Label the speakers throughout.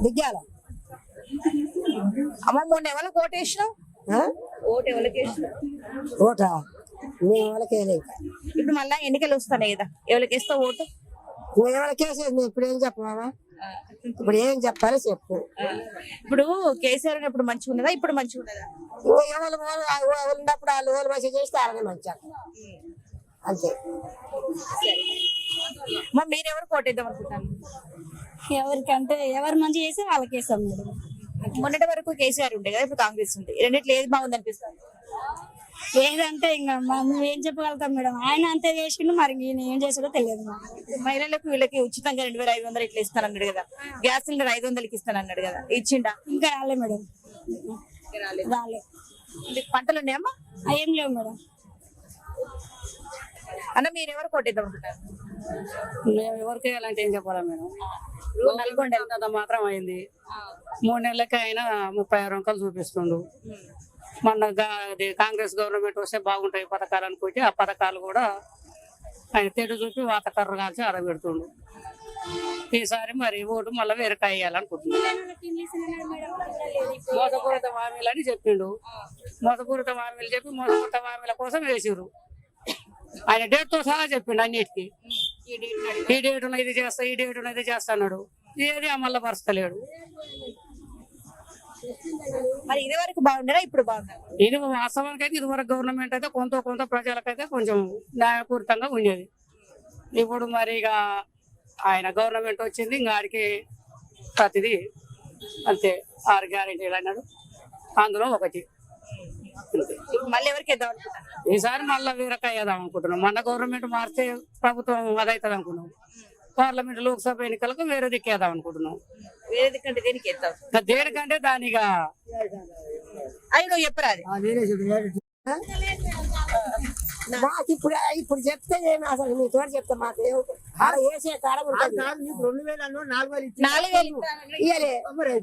Speaker 1: దిగ్గాల
Speaker 2: అమ్మ మొన్న ఎవరికి ఓటు వేసినావు? ఓటు ఎవరికి వేసినావు?
Speaker 1: ఓటా మేము వాళ్ళకి వేయలే ఇంకా.
Speaker 2: ఇప్పుడు మళ్ళా ఎన్నికలు వస్తున్నాయి కదా, ఎవరికి వేస్తావు ఓటు?
Speaker 1: మేము వాళ్ళకి వేసేది మేము ఇప్పుడు ఏం చెప్పమా, ఇప్పుడు ఏం చెప్పాలి చెప్పు.
Speaker 2: ఇప్పుడు కేసీఆర్ ఉన్నప్పుడు మంచిగా ఉన్నదా, ఇప్పుడు మంచిగా ఉన్నదా?
Speaker 1: ఎవరు ఉన్నప్పుడు వాళ్ళు ఓలు మెసేజ్ చేస్తే అలానే మంచిగా అంతే.
Speaker 2: అమ్మ మీరు ఎవరికి ఓటు వేద్దాం అనుకుంటాను?
Speaker 3: ఎవరికంటే ఎవరు మంచి చేస్తే వాళ్ళకి వేస్తాం మేడం.
Speaker 2: మొన్నటి వరకు కేసీఆర్ ఉండే కదా, ఇప్పుడు కాంగ్రెస్ ఉంది. రెండిట్లో ఏది బాగుంది అనిపిస్తుంది?
Speaker 3: ఏదంటే ఇంకా మేము ఏం చెప్పగలుగుతాం మేడం. ఆయన అంతే చేసిండు, మరి ఈయన ఏం చేసాడో తెలియదు మాకు.
Speaker 2: మహిళలకు వీళ్ళకి ఉచితంగా 2500 ఇట్లా ఇస్తానన్నాడు కదా, గ్యాస్ సిలిండర్ 500కి ఇస్తానన్నాడు కదా, ఇచ్చిండా?
Speaker 3: ఇంకా రాలే మేడం, రాలే.
Speaker 2: మీకు పంటలు ఉన్నాయమ్మా?
Speaker 3: ఏం లేవు మేడం.
Speaker 2: అన్న మీరు ఎవరు కొట్టేద్దాం అనుకుంటారు?
Speaker 4: మేము ఎవరికి వేయాలంటే ఏం చెప్పాలా మేడం.
Speaker 2: నల్గొండ
Speaker 4: అంత మాత్రం అయింది. 3 నెలలకి అయినా 36 అంకాలు చూపిస్తుండు. మొన్న కాంగ్రెస్ గవర్నమెంట్ వస్తే బాగుంటాయి పథకాలు అనుకుంటే ఆ పథకాలు కూడా ఆయన తెడు చూపి వాతకర్ర కాల్చి అరబెడుతుండు. ఈసారి మరి ఓటు మళ్ళీ వేరేకా వేయాలనుకుంటున్నాడు. మోసపూరిత హామీలు అని చెప్పిండు. మోసపూరిత హామీలు చెప్పి మోసపూరిత హామీల కోసం వేసిర్రు. ఆయన డేట్ తో సహా చెప్పిండు అన్నిటికీ. ఈ డేట్ ఉన్న ఇది చేస్తా, ఈ డేట్ ఉన్న ఇది చేస్తా అన్నాడు. ఏది అమల్లో పరచలేడు.
Speaker 2: మరి ఇది వరకు బాగుండరా, ఇప్పుడు బాగుందా?
Speaker 4: ఇది వాస్తవానికి అయితే ఇదివరకు గవర్నమెంట్ అయితే కొంత ప్రజలకైతే కొంచెం న్యాయపూరితంగా ఉండేది. ఇప్పుడు మరి ఇక ఆయన గవర్నమెంట్ వచ్చింది, ఇంకా ఆడికి ప్రతిదీ అంతే 6 గ్యారెంటీలు అన్నాడు, అందులో ఒకటి.
Speaker 2: మళ్ళీ ఎవరికి వేద్దాం అనుకుంటారు?
Speaker 4: ఈసారి మళ్ళీ వీరకాయ వేద్దాం అనుకుంటున్నాం. మన గవర్నమెంట్ మారితే ప్రభుత్వం అదవుతుంది అనుకున్నాం. పార్లమెంట్ లోక్సభ ఎన్నికలకు వేరే దిక్కేద్దాం అనుకుంటున్నాం.
Speaker 2: వేరే దిక్కంటే దేనికి వేద్దాం?
Speaker 4: దేనికంటే దానిగా
Speaker 2: అవి నువ్వు చెప్పరా?
Speaker 1: మాకు ఇప్పుడు చెప్తే ఏమి అసలు మీ తోట చెప్తే మాకు ఆడ వేసే కాడ ఉంటుంది.
Speaker 2: 4000
Speaker 1: ఇయ్యలే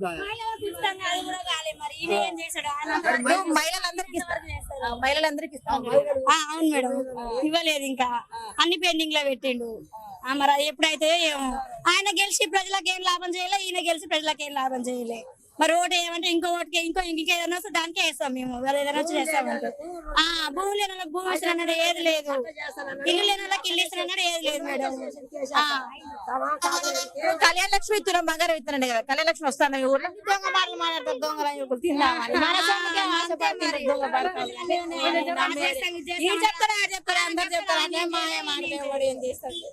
Speaker 2: మహిళలందరికి ఇస్తాను.
Speaker 3: అవును మేడం, ఇవ్వలేదు ఇంకా, అన్ని పెండింగ్ లో పెట్టిండు. మరి ఎప్పుడైతే ఏమో. ఆయన గెలిచి ప్రజలకు ఏం లాభం చేయలే, ఈయన గెలిచి ప్రజలకు ఏం లాభం చేయలే. మరి ఓటు ఏమంటే ఇంకో ఓటుకి ఇంకేదైనా వస్తే దానికే వేస్తాం మేము. ఏదైనా వచ్చి చేస్తామంటే భూమి లేని వాళ్ళకి భూమి ఇస్తాను అన్నాడు, ఏది లేదు. ఇల్లు లేని వాళ్ళకి ఇల్లు ఇస్తాను అన్నాడు, ఏది లేదు మేడం.
Speaker 2: కళ్యాణ లక్ష్మి ఇస్తున్నాం, బంగారం ఇస్తున్నాడు కదా. కళ్యాణ లక్ష్మి వస్తాను మీ ఊర్లో?
Speaker 3: దొంగ మాటలు మాట్లాడతారు, దొంగలు తిందామని చెప్తారా అందరు చెప్తారా, అనే మాయ మాటలు ఏం చేస్తాడు.